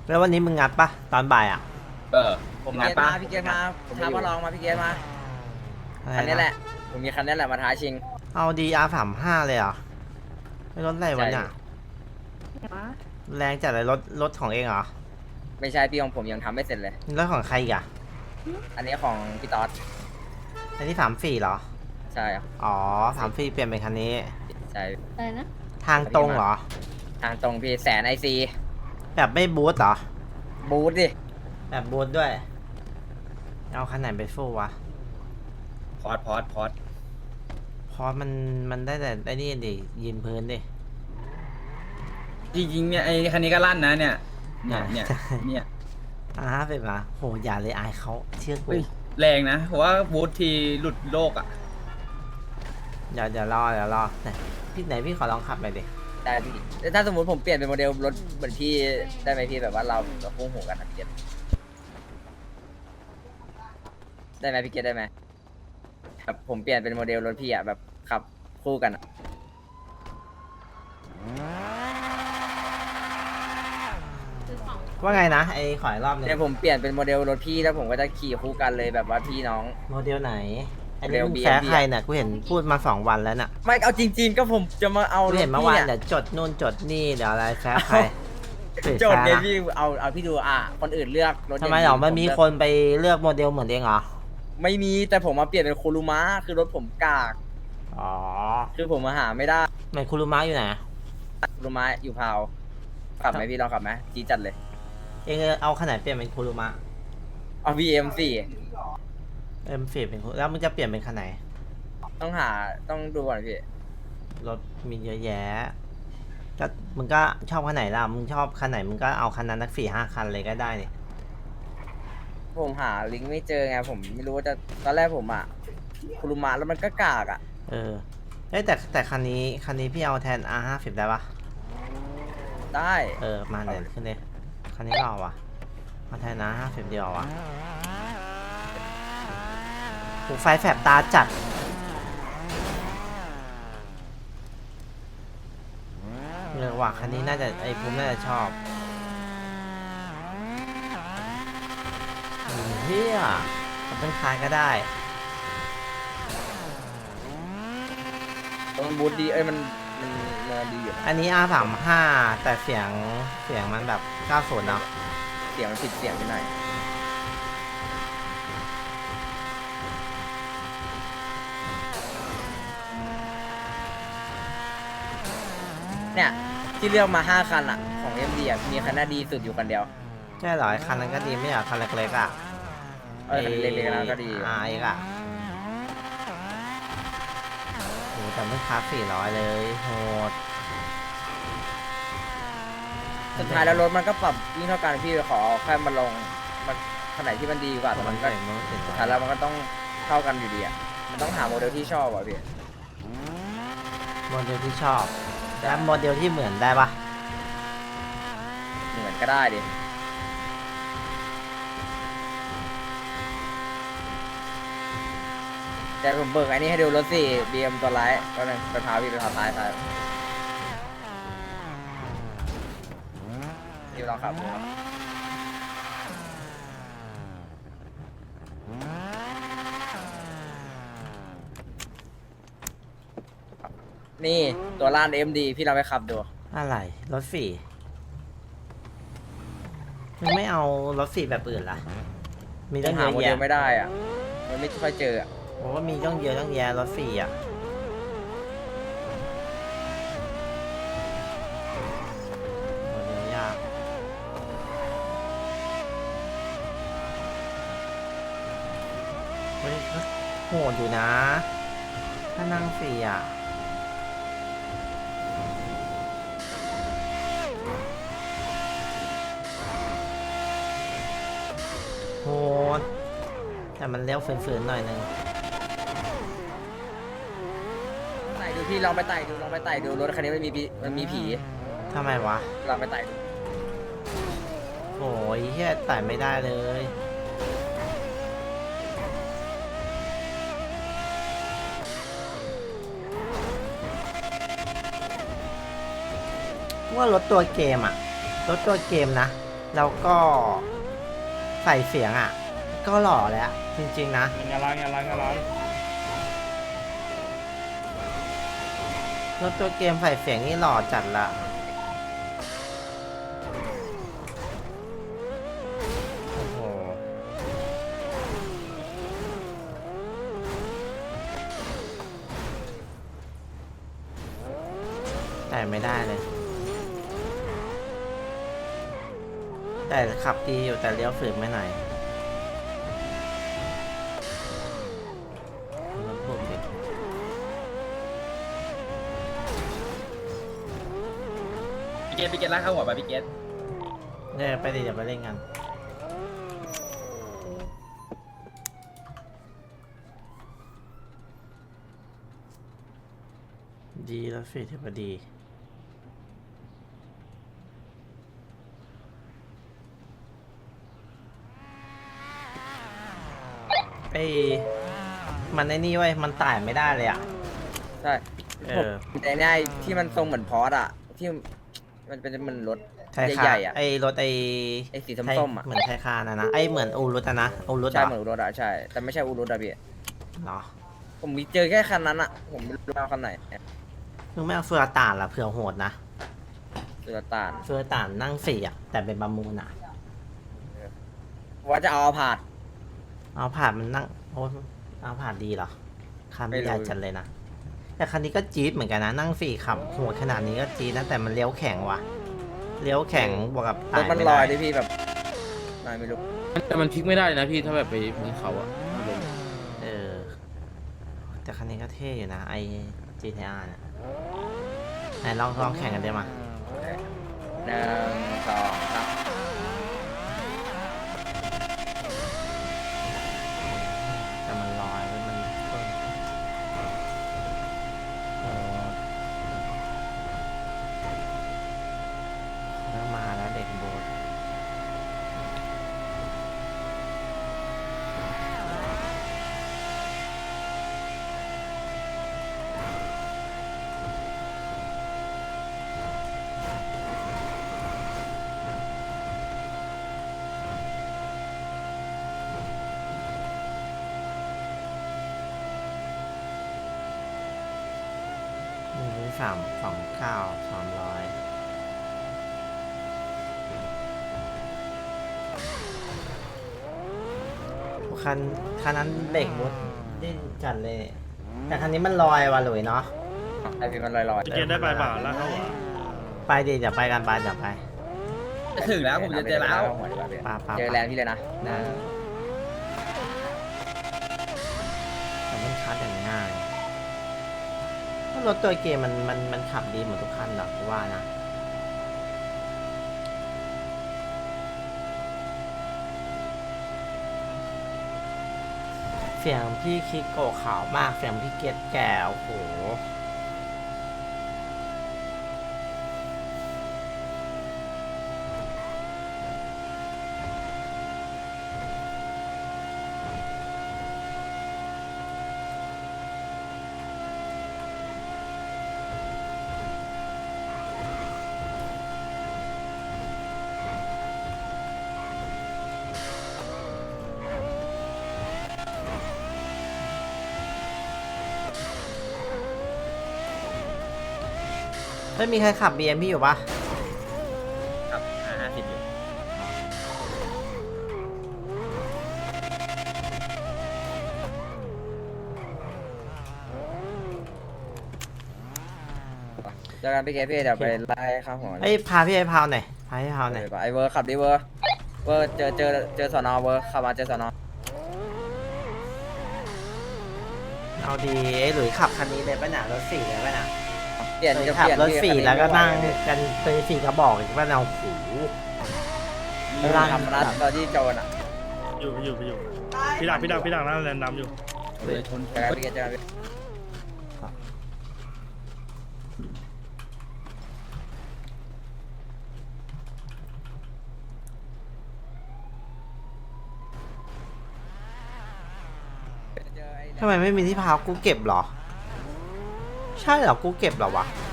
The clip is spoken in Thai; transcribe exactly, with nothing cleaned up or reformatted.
แล้ววันนี้มึงงัดปะตอนบ่ายอ่ะเออผมงัเกดตปะมาพี่เกตมาท้ามาลองมาพี่เกตมาอะไรคันนี้แหนะละ ผมมีคันนี้แหละมาท้าชิงเอาดีอาร์สามห้าเลยเหรอไม่รถอะไรวะเนี่ยใช่แรงจัดเลยรถรถของเองเหรอไม่ใช่พี่ของผมยังทำไม่เสร็จเลยรถของใครอีกอ่ะอันนี้ของพี่ต๊อดอันนี้สามสี่เหรอใช่ครับอ๋อสามสี่เปลี่ยนเป็นคันนี้ใช่อะไรนะทางตรงเหรอทางตรงพี่แสนไอซีแบบไม่บูทเหรอบูทดิแบบบูทด้วย เอาคันไหนไปฟู่วะพอดพอดพอดเพราะมันมันได้แต่ไอ้นี่ดิยืนพื้นดิจริงๆเนี่ยไอ้คันนี้ก็ลั่นนะเนี่ยเนี่ยเนี่ยใช่เนี่ยอ่าเป็นมาโหอย่าเลยอายเขาเชื่อกูเฮ้ยแรงนะเพราะว่าบูททีหลุดโลกอ่ะเดี๋ยวเดี๋ยวรอเดี๋ยวรอไหนพี่ไหนพี่ขอลองขับไปดิได้พี่แล้วถ้าสมมติผมเปลี่ยนเป็นโมเดลรถเหมือนพี่ได้ไหมพี่แบบว่าเราเราคู่หูกันนะพี่เกตได้ไหมพี่เกตได้ไหมแบบผมเปลี่ยนเป็นโมเดลรถพี่อะแบบขับคู่กันอะคือของว่าไงนะไอ้ขออีกรอบหนึงเดี๋ยวผมเปลี่ยนเป็นโมเดลรถพี่แล้วผมก็จะขี่คู่กันเลยแบบว่าพี่น้องโมเดลไหนอันนี้โมเดลมึงบีแซะเอ็มดีใครเนี่ยกูเห็นพูดมาสองวันแล้วน่ะไม่เอาจริง ๆ ก็ผมจะมาเอากูรถเห็นเมื่อพี่วานอะเดี๋ยวจดนู่นจดนี่เดี๋ยวอะไรแซะใครโจทย์เนี่ยแซะนะพี่เอาเอาพี่ดูอ่ะคนอื่นเลือกรถทำไมหรอย่างมันมีผเลือกคนไปเลือกโมเดลเหมือนเองเหรอไม่มีแต่ผมมาเปลี่ยนเป็นโคลูมะคือรถผมกากอ๋อคือผมมาหาไม่ได้เหมือนคุรุมะอยู่ไหนโคลูมะอยู่พาวขับไหมพี่ลองขับไหมจีดจัดเลยเองเอาขนาดเปลี่ยนเป็นคุรุมะเอา วี เอ็ม สี่เอ็มฟีเป็นคุแล้วมึงจะเปลี่ยนเป็นคันไหนต้องหาต้องดูก่อนพี่รถมีเยอะแยะก็มึงก็ชอบคันไหนล่ะมึงชอบคันไหนมึงก็เอาคันนั้นสักสี่ห้าคันเลยก็ได้นี่ผมหาลิงก์ไม่เจอไงผมไม่รู้ว่าจะตอนแรกผมอ่ะโคลูมะแล้วมันก็กากอ่ะเออเอ้ยแต่แต่คันนี้คันนี้พี่เอาแทน อาร์ ห้าสิบ ได้ปะได้เออมาเดี๋ยวขึ้นเลยคันนี้ก็เอาว่ะเอาแทน อาร์ ห้าสิบ เดียวว่ะหูไฟแสบตาจัดเออว่ะคันนี้น่าจะไอ้ภูมิน่าจะชอบอืมเฮียเป็นคายก็ได้มันบูทดีเอ้ยมันมันมันดีอยู่อันนี้ อาร์ สามสิบห้า แต่เสียงเสียงมันแบบเก้าสิบเนาะเสียงมันผิดเสียงไปหน่อยเนี่ยที่เลือกมาห้าคันอ่ะของ เอ็ม ดี อ่ะมีคันหน้าดีสุดอยู่คันเดียวใช่เหรอไอ้คันนั้นก็ดีไม่เหรอคันเล็กๆอ่ะเออคันเล็กๆแล้วก็ดีอ่าเอกอ่ะโหแต่ไม่คับสี่ร้อยเลยโหดสุดท้ายแล้วรถมันก็ปรับยิ่งเท่ากันพี่ขอแค่มันลงมันขนาดที่มันดีกว่าแต่มัมัน นก็ก็มันถึงสุดท้ายแล้วมันก็ต้องเท่ากันอยู่ดีอ่ะมันต้องหาโมเดลที่ชอบอ่ะพี่โมเดลที่ชอบแล้วโมเดลที่เหมือนได้ปะเหมือนก็ได้ดิแต่ผมเบิกอันนี้ให้ดูรถสิบีเอ็มตัวร้ายก็เลยไปพาพี่ไปพาท้ายท้ายที่เราขับดูครับนี่ตัวล้าน เอ็ม ดี พี่เราไปขับดูอะไรรถสี่มึงไม่เอารถสี่แบบอื่นล่ะมียัตั้งงหาเยอะโมเดลแยะไม่ได้อ่ะ มันไม่ค่อยเจออ่ะผมว่ามีต้องเยอะต้องแยะรถสี่อ่ะโมเดลยากเฮ้ยก็โหดอยู่นะ ถ้านั่งสี่อ่ะโหดแต่มันเลี้ยวฝืนๆหน่อยนึงไต่ดูพี่ลองไปไต่ดูลองไปไต่ดูรถคันนี้มันมีผีมันมีผีทำไมวะลองไปไต่ดูโอ้ยเฮียไต่ไม่ได้เลย ว่ารถตัวเกมอะรถตัวเกมนะแล้วก็ใส่เสียงอ่ะ ก็หล่อแล้วจริงๆนะงานร้านงานร้านงานร้านรถตัวเกมใส่เสียงนี่หล่อจัดละโอ้โหแต่ไม่ได้เลย แต่ขับดีอยู่แต่เลี้ยวฝืนไม่หน่อยรถผมดิพี่เกตพี่เกตลากเข้าหัวไปพี่เกตเนี่ยไปดิเดี๋ยวไปเล่นกัน ดีแล้วสิถือว่าดีไอ้มันไอ้นี่เว้ยมันต่ายไม่ได้เลยอ่ะใช่เออผมแต่เนี่ยที่มันทรงเหมือนพอร์ตอะที่มันเป็นมันรถไทยคาใหญ่ๆอะไอ้รถไอ้ไอ้สีไทยส้มๆอะเหมือนไทยคานะนะไอ้เหมือนอูรุตอะนะอูรุตใช่อะเหมือนรถอะใช่ แต่ไม่ใช่อูรุตอะพี่เนาะผมมีเจอแค่คันนั้นอะผมไม่รู้ว่าคันไหนมึงไม่เอาเฟือตานละเผื่อโหดนะสุลต่านเฟือตานนั่งสี่อ่ะแต่เป็นประมูลอ่ะว่าจะเอาผาดเอาผ่านมันนั่งโอ้เอาผ่านดีเหรอคันไม่ไม่รู้ใหญ่จัดเลยนะแต่คันนี้ก็จี๊ดเหมือนกันนะนั่งสี่ขับโหดขนาดนี้ก็จี๊ดนะแต่มันเลี้ยวแข็งว่ะเลี้ยวแข็งบวกกับรถตายมันไม่ลได้อยดิพี่แบบนายไม่รู้แต่มันพลิกไม่ได้นะพี่ถ้าแบบไปบนเขาอะลงเออแต่คันนี้ก็เท่อยู่นะไอ จี ที อาร์ เนี่ยไหนลองลองแข่งกันได้มาหนึ่งสองสามแต่มันลอยมันมันต้นโอ้เริ่มมาแล้วเด็กโบส หนึ่งสามสองเก้าสามร้อยคันคันนั้นเบรกมุดดิ้นจัดเลย แต่คันนี้มันลอยว่ะหลุยเนาะไอพี่มันลอยพี่เกตได้ไปเปล่าแล้วเข้าหัวไปดิเดี๋ยวไปกันไปเดี๋ยวไปจะถึงแล้วผมจะเจอแล้วปาปาเจอแลนด์พี่เลยนะนะแต่มันคัดอย่างง่ายเพราะรถตัวเกมมันมันมันขับดีเหมือนทุกคันหรอกกูว่านะ เสียงพี่คิโกะขาวมากเสียงพี่เกตแก่โอ้โหไม่มีใครขับ บี เอ็ม พี่อยู่ปะครับห้าสิบอยู่เจอกันพี่เกพี่เดี๋ยวไปไล่ข้าวหัวเอ้ยพาพี่ไอ้พาวหน่อยพาพี่พาวหน่อยไอเวอร์ขับดิเวอร์เวอร์เจอเจอเจอสอนอเวอร์ขับมาเจอสอนอเอาดีไอ้หลุยขับคันนี้เลยป่ะน่ะรถสี่เลยป่ะน่ะเปลี่ยนหลุยจะขัเปบลี่ยนรถพี่สี่คัแล้วก็นั่งไม่ไหวกันเป็นสี่กระบอกอีกป่ะน่ะโอ้โหพี่ทำรัดตอนที่โจรอ่ะอยู่ไปอยู่ไปอยู่พี่ดักพี่ดักพี่ดักนั่นแลนด์ดำอยู่เลยชนเจอกันพี่เกเจอกันพี่เจอไอ้ทำไมไม่มีที่พาวกูเก็บเหรอ ใช่เหรอกูเก็บเหรอวะ